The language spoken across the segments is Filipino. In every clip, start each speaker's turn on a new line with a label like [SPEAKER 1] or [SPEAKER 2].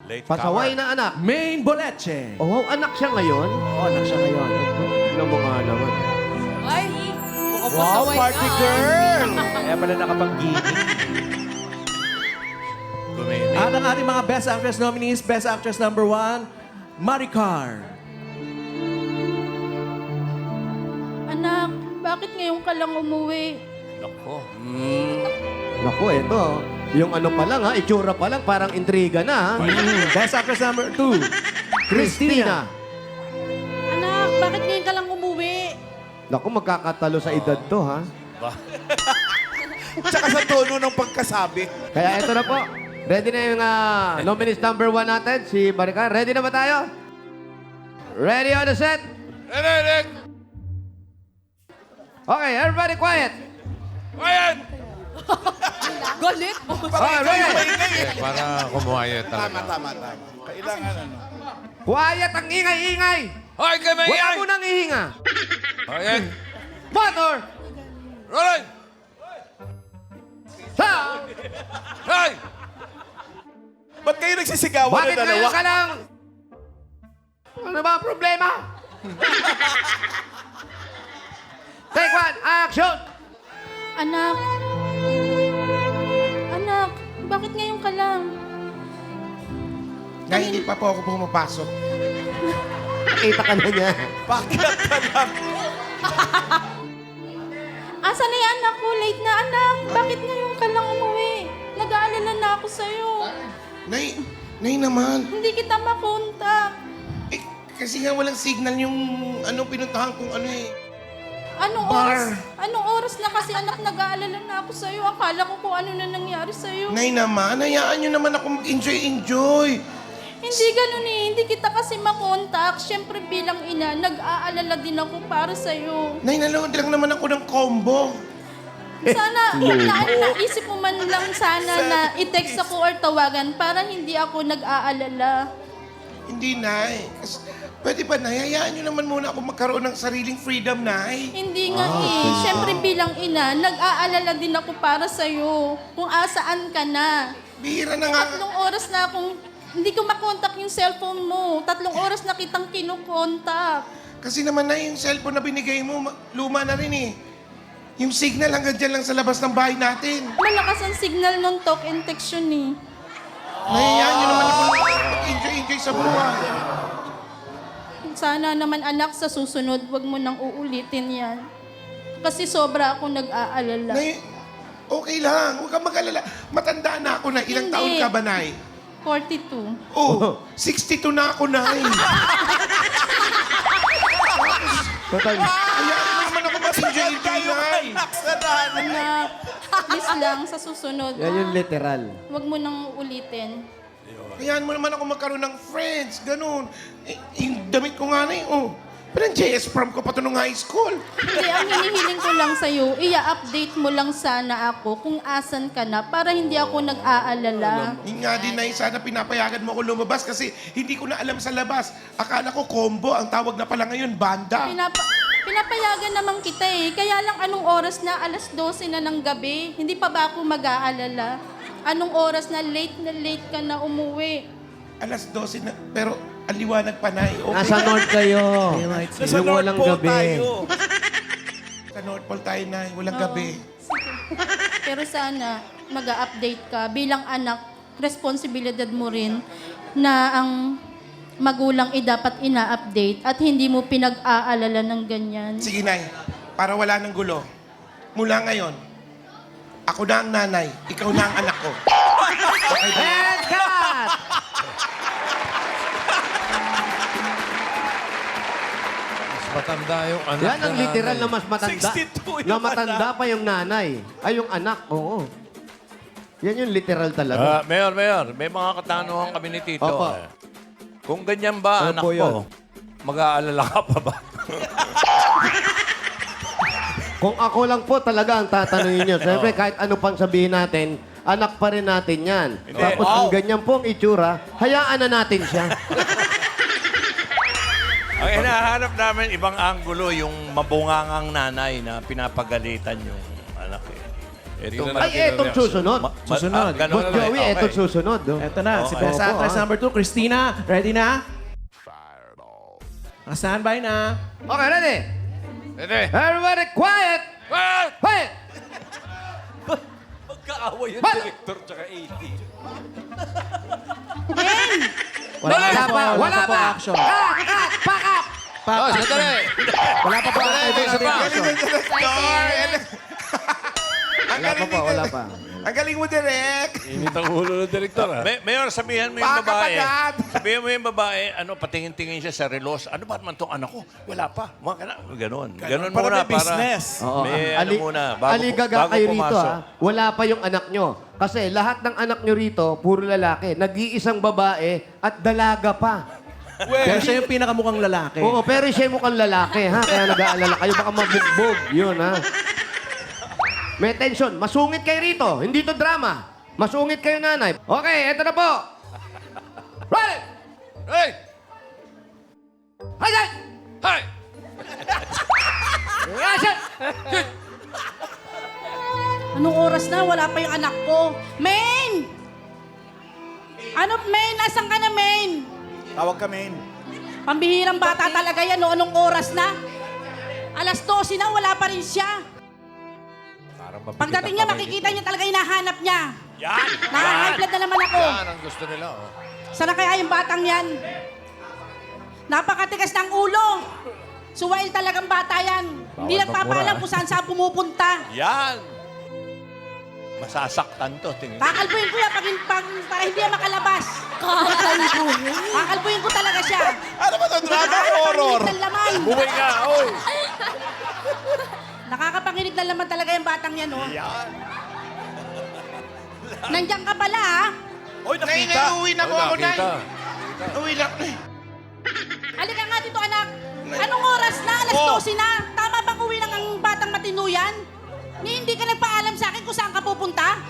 [SPEAKER 1] Late
[SPEAKER 2] Pasaway
[SPEAKER 1] comer.
[SPEAKER 2] na anak.
[SPEAKER 3] Main Boleche.
[SPEAKER 2] Oh, wow, anak siya ngayon?
[SPEAKER 3] Oo, anak siya ngayon.
[SPEAKER 2] Tignan mo nga naman.
[SPEAKER 4] Ay, mukhang
[SPEAKER 1] Wow,
[SPEAKER 4] pasaway
[SPEAKER 1] party
[SPEAKER 4] ka.
[SPEAKER 1] girl!
[SPEAKER 3] Kaya pala nakapag-gimmick.
[SPEAKER 1] Gumimik.
[SPEAKER 3] At ang ating mga Best Actress nominees, Best Actress number 1, Maricar.
[SPEAKER 4] Anak, bakit ngayon ka lang umuwi?
[SPEAKER 1] Nako.
[SPEAKER 2] Naku, eto. Yung ano pa lang ha, itsura pa lang, parang intriga na ha.
[SPEAKER 3] Best Actress number 2, Christina.
[SPEAKER 4] Anak, bakit ngayon ka lang umuwi?
[SPEAKER 2] Naku, magkakatalo sa edad to ha.
[SPEAKER 1] Tsaka sa tono ng pagkasabi.
[SPEAKER 2] Kaya eto na po. Ready na yung nominees number 1 natin, si Maricar. Ready na ba tayo? Ready on the set?
[SPEAKER 1] Ready!
[SPEAKER 2] Okay, everybody quiet.
[SPEAKER 1] Ayan!
[SPEAKER 4] Galit.
[SPEAKER 2] Okay, ready?
[SPEAKER 1] Para kumuhaya talaga. Tama. Kailangan ano.
[SPEAKER 2] Quiet ang ingay-ingay.
[SPEAKER 1] Hoy, kayo may
[SPEAKER 2] Wala mo nang ihinga.
[SPEAKER 1] Ayan!
[SPEAKER 2] Motor!
[SPEAKER 1] Rolling!
[SPEAKER 2] Sound!
[SPEAKER 1] Hoy! Ba't kayo nagsisigawan
[SPEAKER 2] Bakit ngayon ka lang? Ano ba ang problema? Take one, action!
[SPEAKER 4] Anak. Anak, bakit ngayon ka lang?
[SPEAKER 5] Nga hindi pa po ako pumapasok.
[SPEAKER 2] Nakita ka na niya.
[SPEAKER 1] Bakit ka lang?
[SPEAKER 4] Asan na yung anak ko? Late na, anak. Bakit ngayon ka lang umuwi? Nag-aalala na ako sa'yo.
[SPEAKER 5] Nay naman.
[SPEAKER 4] Hindi kita makontak.
[SPEAKER 5] Eh, kasi nga walang signal yung pinuntahan kong ano eh.
[SPEAKER 4] Anong
[SPEAKER 5] Bar.
[SPEAKER 4] oras? Anong oras na kasi anak nag-aalala na ako sa'yo? Akala ko kung ano na nangyari sa'yo.
[SPEAKER 5] Nay naman, hayaan nyo naman ako mag-enjoy.
[SPEAKER 4] Hindi ganun eh. Hindi kita kasi makontak. Siyempre bilang ina, nag-aalala din ako para sa'yo.
[SPEAKER 5] Nay, nanood lang naman ako ng combo.
[SPEAKER 4] Sana, naisip mo man lang sana na i-text ako or tawagan para hindi ako nag-aalala.
[SPEAKER 5] Hindi, Nay. Pwede ba, Nay? Hayaan nyo naman muna ako magkaroon ng sariling freedom, Nay.
[SPEAKER 4] Hindi nga eh. Siyempre bilang ina, nag-aalala din ako para sa'yo. Kung asaan ka na.
[SPEAKER 5] Bihira na nga.
[SPEAKER 4] 3 oras na akong hindi ko makontak yung cellphone mo. 3 oras na kitang kinukontak.
[SPEAKER 5] Kasi naman, Nay, yung cellphone na binigay mo, luma na rin eh. Yung signal hanggang dyan lang sa labas ng bahay natin.
[SPEAKER 4] Malakas ang signal ng talk and text yun eh.
[SPEAKER 5] Nay, hayaan nyo naman ako mag-enjoy sa buhay.
[SPEAKER 4] Sana naman anak sa susunod, wag mo nang uulitin yan. Kasi sobra ako nag-aalala.
[SPEAKER 5] Nay, okay lang. Huwag kang mag-alala. Matanda na ako na. Ilang
[SPEAKER 4] Hindi.
[SPEAKER 5] taon ka ba, Nay?
[SPEAKER 4] 42.
[SPEAKER 5] Oh, 62 na ako, Nay.
[SPEAKER 2] Total.
[SPEAKER 5] Hayaan mo naman ako mag-enjoy, Nay.
[SPEAKER 4] Anak, please lang sa susunod.
[SPEAKER 2] Yan yung literal.
[SPEAKER 4] Wag mo nang ulitin.
[SPEAKER 5] Hayaan mo naman ako magkaroon ng friends. Ganun. Eh, yung damit ko nga, Nay, oh. Parang JS prom ko pa to nung high school.
[SPEAKER 4] Hindi, ang hinihiling ko lang sa'yo, i-update mo lang sana ako kung asan ka na para hindi ako nag-aalala.
[SPEAKER 5] Yun nga din, Nay, sana pinapayagan mo ako lumabas kasi hindi ko na alam sa labas. Akala ko combo. Ang tawag na pala ngayon, banda.
[SPEAKER 4] Pinapayagan naman kita eh. Kaya lang anong oras na? Alas 12 na ng gabi. Hindi pa ba ako mag-aalala? Anong oras na late ka na umuwi?
[SPEAKER 5] Alas 12 na. Pero aliwanag pa, Nay. Okay.
[SPEAKER 2] Nasa North kayo.
[SPEAKER 1] Nasa
[SPEAKER 2] Yung
[SPEAKER 1] North
[SPEAKER 2] walang
[SPEAKER 1] Pole
[SPEAKER 2] gabi.
[SPEAKER 1] tayo.
[SPEAKER 5] Sa North Pole tayo, Nay. Walang gabi.
[SPEAKER 4] Pero sana mag-update ka bilang anak, responsibilidad mo rin na ang magulang dapat ina-update at hindi mo pinag-aalala ng ganyan.
[SPEAKER 5] Sige, Nay. Para wala ng gulo. Mula ngayon, ako na ang nanay. Ikaw na ang anak ko. Okay ba?
[SPEAKER 2] And cut!
[SPEAKER 1] Mas matanda yung anak
[SPEAKER 2] Yan ang
[SPEAKER 1] na
[SPEAKER 2] literal
[SPEAKER 1] nanay.
[SPEAKER 2] na mas matanda.
[SPEAKER 1] 62
[SPEAKER 2] Na
[SPEAKER 1] yung
[SPEAKER 2] matanda pa yung nanay. Ay, yung anak, oo. Yan yung literal talaga.
[SPEAKER 6] Mayor, may mga katanungan kami ni Tito.
[SPEAKER 2] Opo.
[SPEAKER 6] Kung ganyan ba,
[SPEAKER 2] Ano
[SPEAKER 6] anak
[SPEAKER 2] po yun?
[SPEAKER 6] ko, mag-aalala ka pa ba?
[SPEAKER 2] Kung ako lang po talaga ang tatanungin niyo. Siyempre, kahit ano pang sabihin natin, anak pa rin natin yan. Tapos kung ganyan po ang itsura, hayaan na natin siya.
[SPEAKER 6] Ang hinahanap namin, ibang anggulo, yung mabungangang nanay na pinapagalitan yung anak eh. Ito,
[SPEAKER 2] Ay, etong susunod.
[SPEAKER 3] Susunod.
[SPEAKER 6] ganun
[SPEAKER 2] Boss
[SPEAKER 6] na lang.
[SPEAKER 2] Joey,
[SPEAKER 6] Okay.
[SPEAKER 2] etong susunod. Oh.
[SPEAKER 3] Eto na, si
[SPEAKER 6] Okay.
[SPEAKER 3] Best
[SPEAKER 2] Opo,
[SPEAKER 3] Actress number 2, Christina. Ready na? Standby na.
[SPEAKER 2] Okay, ready?
[SPEAKER 6] Ready?
[SPEAKER 2] Everybody quiet!
[SPEAKER 6] Well,
[SPEAKER 2] Quiet!
[SPEAKER 6] magkaaway yung
[SPEAKER 2] What?
[SPEAKER 6] director tsaka AD.
[SPEAKER 2] Wala pa, wala
[SPEAKER 3] po
[SPEAKER 2] pa!
[SPEAKER 3] action.
[SPEAKER 2] Pack up!
[SPEAKER 6] Oh, sandali.
[SPEAKER 3] Wala pa po ang table
[SPEAKER 6] isa pa.
[SPEAKER 3] action.
[SPEAKER 5] Ang
[SPEAKER 2] Wala pa
[SPEAKER 5] galing
[SPEAKER 2] po, wala pa.
[SPEAKER 5] Ang galing mo, Direk.
[SPEAKER 6] Init ang ulo ng director, ha? Mayor, sabihan mo yung
[SPEAKER 5] Baka
[SPEAKER 6] babae.
[SPEAKER 5] pagad.
[SPEAKER 6] Sabihan mo yung babae, patingin-tingin siya sa relos. Ano ba naman tong anak ko? Wala pa. Ganon
[SPEAKER 7] Para
[SPEAKER 6] muna.
[SPEAKER 7] may business.
[SPEAKER 2] Oo.
[SPEAKER 6] May
[SPEAKER 2] Ali-
[SPEAKER 6] muna.
[SPEAKER 2] aligaga
[SPEAKER 6] bago
[SPEAKER 2] kayo rito,
[SPEAKER 6] pumasok.
[SPEAKER 2] ha? Wala pa yung anak nyo. Kasi lahat ng anak nyo rito, puro lalaki. Nag-iisang babae at dalaga pa.
[SPEAKER 3] Pero siya yung pinakamukhang lalaki.
[SPEAKER 2] Oo, pero siya mukhang lalaki, ha? Kaya nag-aalala kayo, baka mabugbog. Yun, ha? May tension. Masungit kayo rito. Hindi to drama. Masungit kayo, nanay. Okay, eto na po. Right!
[SPEAKER 6] Hey!
[SPEAKER 2] Hay! Hay!
[SPEAKER 6] Hey!
[SPEAKER 2] Action!
[SPEAKER 8] Anong oras na? Wala pa yung anak ko. Main! Ano, Main? Nasaan ka na, Main?
[SPEAKER 7] Tawag ka, main.
[SPEAKER 8] Pambihirang bata talaga yan. No? Anong oras na? Alas 12 na, wala pa rin siya. Pagdating niya, makikita niya talaga hinahanap niya.
[SPEAKER 6] Yan!
[SPEAKER 8] High blood na naman ako.
[SPEAKER 6] Yan ang gusto nila, oh.
[SPEAKER 8] Sana kaya yung batang yan? Napakatigas ng ulo. Suwail talagang bata yan. Hindi nagpapaalam kung saan pumupunta.
[SPEAKER 6] Yan! Masasaktan to, tingin.
[SPEAKER 8] Kakalbuhin ko yan para hindi yan makalabas. Kakalbuhin ko talaga siya.
[SPEAKER 7] Ano ba ito? Drama o horror?
[SPEAKER 8] Nakakapanginig ng laman.
[SPEAKER 6] Buhay ka, oy!
[SPEAKER 8] Nakakapanginig ng laman talaga yung batang yan, oh.
[SPEAKER 6] Yan!
[SPEAKER 8] Nandiyan ka pala, ha?
[SPEAKER 7] Oy,
[SPEAKER 5] Nay,
[SPEAKER 7] nakita.
[SPEAKER 5] uwi na po ako, Nay.
[SPEAKER 6] Nakita.
[SPEAKER 5] Uwi na.
[SPEAKER 8] Halika nga dito, anak. Anong oras na? Alas 12 na. Tama bang uwi ng ang batang matinuyan? Ni hindi ka nagpaalam sa akin kung saan ka pupunta?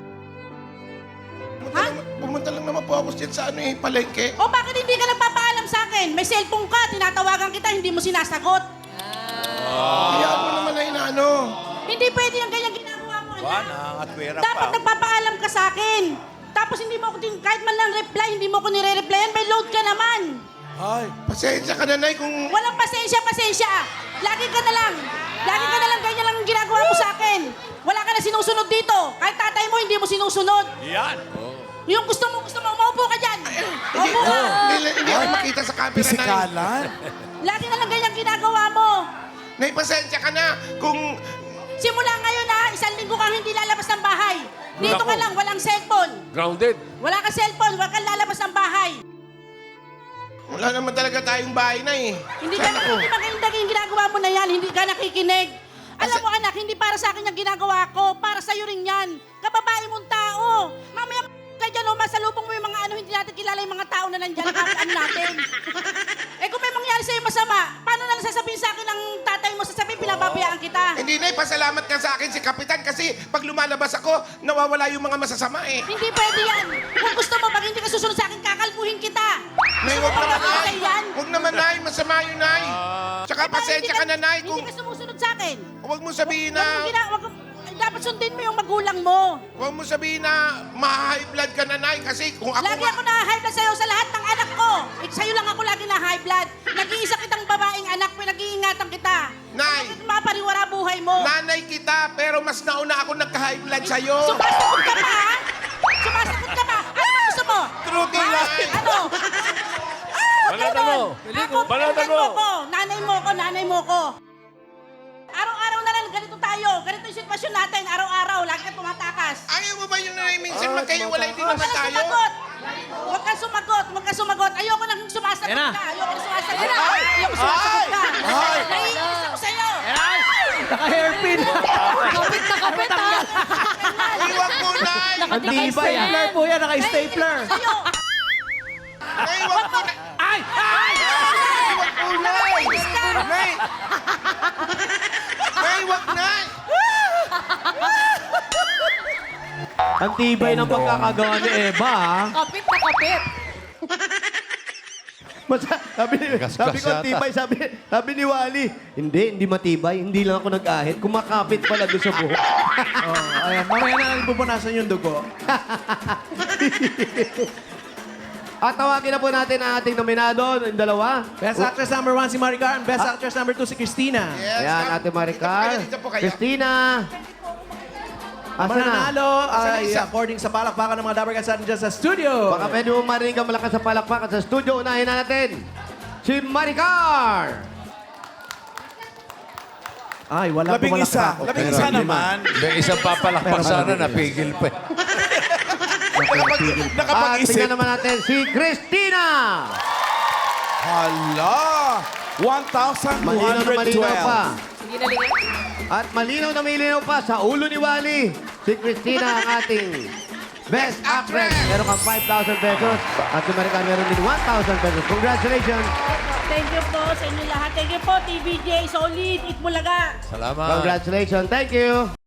[SPEAKER 5] Pumunta lang naman po ako sa palengke.
[SPEAKER 8] O bakit hindi ka nagpapaalam sa akin? May cellphone ka, tinatawagan kita, hindi mo sinasagot.
[SPEAKER 5] Hayaan mo naman na inaano.
[SPEAKER 8] Hindi pwede yung ganyan ginagawa mo,
[SPEAKER 6] Ba,
[SPEAKER 8] anak.
[SPEAKER 6] nangangatwera pa.
[SPEAKER 8] Dapat nagpapaalam ka sa akin. Tapos hindi mo ako, kahit man lang reply, hindi mo ako nire-replyan, may load ka naman.
[SPEAKER 7] Ay,
[SPEAKER 5] Pasensya ka na, Nay, kung...
[SPEAKER 8] Walang pasensya. Lagi ka na lang. Ganyan lang ang ginagawa mo sa akin. Wala ka na sinusunod dito. Kahit tatay mo, hindi mo sinusunod.
[SPEAKER 6] Yan!
[SPEAKER 8] Yung gusto mo, maupo ka dyan. Maupo ka.
[SPEAKER 5] Hindi ako makita sa camera, Nay.
[SPEAKER 7] pisikalan.
[SPEAKER 8] Lagi na lang ganyan ginagawa mo.
[SPEAKER 5] Nay, pasensya ka na kung...
[SPEAKER 8] Simula ngayon ha, 1 linggo kang hindi lalabas ng bahay. Dito ka lang, walang cellphone.
[SPEAKER 6] Grounded.
[SPEAKER 8] Wala ka cellphone, wala kang lalabas ng bahay.
[SPEAKER 5] Wala naman talaga tayong bahay, Nay.
[SPEAKER 8] Hindi maganda yung ginagawa mo na yan, hindi ka nakikinig. Alam mo anak, hindi para sa akin yung ginagawa ko, para sa'yo rin yan. Kababae mong tao. Mamaya ka dyan, masalubong mo yung mga hindi natin kilala yung mga tao na nandyan, ano natin. Eh kung may mangyari sa'yo masama, paano na lang sasabihin sa akin ng tatay mo, sasabihin pinababayaan kita.
[SPEAKER 5] Hindi, Nay, pasalamat ka sa akin si Kapitan kasi pag lumalabas ako, nawawala yung mga masasama eh.
[SPEAKER 8] Hindi pwede yan. Kung gusto mo, pag hindi ka susunod sa akin, kakalbuhin kita.
[SPEAKER 5] Nay,
[SPEAKER 8] Gusto mo
[SPEAKER 5] huwag
[SPEAKER 8] ba
[SPEAKER 5] naman,
[SPEAKER 8] mamatay
[SPEAKER 5] Nay.
[SPEAKER 8] yan?
[SPEAKER 5] Huwag naman, Nay. Masama yun, Nay. Tsaka
[SPEAKER 8] Eh, paano
[SPEAKER 5] pasensya ka na, Nay, kung
[SPEAKER 8] Hindi ka sumusunod sa akin.
[SPEAKER 5] huwag mo sabihin
[SPEAKER 8] Dapat sundin mo yung magulang mo.
[SPEAKER 5] huwag mo sabihin na ma-high blood ka na, Nay, kasi kung ako
[SPEAKER 8] Lagi ako na-high blood sa'yo sa lahat ng anak ko. Sa'yo lang ako lagi na-high blood. Nag-iisa kitang babaeng anak, pinag-iingatan kita.
[SPEAKER 5] Nay.
[SPEAKER 8] Bakit mapariwara buhay mo?
[SPEAKER 5] nanay kita, pero mas nauna ako nagka-high blood sa'yo.
[SPEAKER 8] Sumasagot ka pa, ha? Sumasagot ka pa. Ano ba gusto mo?
[SPEAKER 5] True to
[SPEAKER 8] Ha?
[SPEAKER 5] life.
[SPEAKER 8] Ano?
[SPEAKER 6] Balatan mo.
[SPEAKER 8] Ako,
[SPEAKER 6] Balatan
[SPEAKER 8] pinagdan
[SPEAKER 6] mo.
[SPEAKER 8] mo ko. Nanay mo ko. Araw-araw na lang, ganito tayo. Ganito yung sitwasyon natin. Araw-araw, lagi ka tumatakas.
[SPEAKER 5] Ayaw mo ba yun, Nay? Minsan magkahiwalay din
[SPEAKER 8] Huwag
[SPEAKER 5] naman
[SPEAKER 8] kang
[SPEAKER 5] tayo.
[SPEAKER 8] sumagot. Huwag kang sumagot. Ayoko nang sumasagot
[SPEAKER 3] Yan na.
[SPEAKER 8] ka. Ayoko sumasagot ka. Naiinis ako sa'yo.
[SPEAKER 3] Naka-hairpin.
[SPEAKER 4] Kapit na kapit, ha?
[SPEAKER 5] Uy, wag mo, Nay.
[SPEAKER 2] Ang tibay, ah.
[SPEAKER 3] Stapler po yan, naka-stapler.
[SPEAKER 8] Sa'yo.
[SPEAKER 5] Nay, wag mo, Nay.
[SPEAKER 3] Ay! Ay!
[SPEAKER 5] Wag mo, Nay.
[SPEAKER 8] Naiinis ka.
[SPEAKER 5] Nay. Nay, wag, Nay.
[SPEAKER 2] Ang tibay ng pagkakagawa ni Eva, ha?
[SPEAKER 4] Kapit na kapit.
[SPEAKER 6] Gasgas
[SPEAKER 2] sabi ko,
[SPEAKER 6] yata.
[SPEAKER 2] tibay. Sabi ni Wally, hindi matibay. Hindi lang ako nag-ahit. Kumakapit pala doon sa buhok.
[SPEAKER 3] Oh, ayan, mamaya na lang pupunasan yung dugo.
[SPEAKER 2] At tawagin na po natin ang ating nominado, yung dalawa.
[SPEAKER 3] Best Actress number 1 si Maricar and Best Actress number 2 si Christina.
[SPEAKER 5] Yes,
[SPEAKER 2] Ayan,
[SPEAKER 5] ma'am.
[SPEAKER 2] Ate Maricar.
[SPEAKER 5] Dito po kayo.
[SPEAKER 2] Christina.
[SPEAKER 3] Ang
[SPEAKER 2] Asa na?
[SPEAKER 3] mananalo ay
[SPEAKER 5] isa?
[SPEAKER 3] according sa palakpakan ng mga Dabarkad sa atin dyan sa studio.
[SPEAKER 2] Baka pwede mo marinig ang malakas sa palakpakan sa studio. Unahin na natin si Maricar.
[SPEAKER 3] Ay, wala
[SPEAKER 7] Labing isa.
[SPEAKER 3] pumalakpak.
[SPEAKER 7] Labing isa naman.
[SPEAKER 6] May isang papalakpak sana, napigil pa.
[SPEAKER 2] At
[SPEAKER 7] Nakapag-isip.
[SPEAKER 2] tingnan naman natin si Christina.
[SPEAKER 7] Hala!
[SPEAKER 2] Malinaw na malinaw pa.
[SPEAKER 7] 1,212.
[SPEAKER 2] At malinaw na malinaw pa sa ulo ni Wally. Si Christina ang ating Best Actress. Meron kang 5,000 pesos. At si Maricar meron din 1,000 pesos. Congratulations.
[SPEAKER 8] Thank you po sa inyo lahat. Thank you po, TVJ, Solid, Itbulaga.
[SPEAKER 6] Salamat.
[SPEAKER 2] Congratulations. Thank you.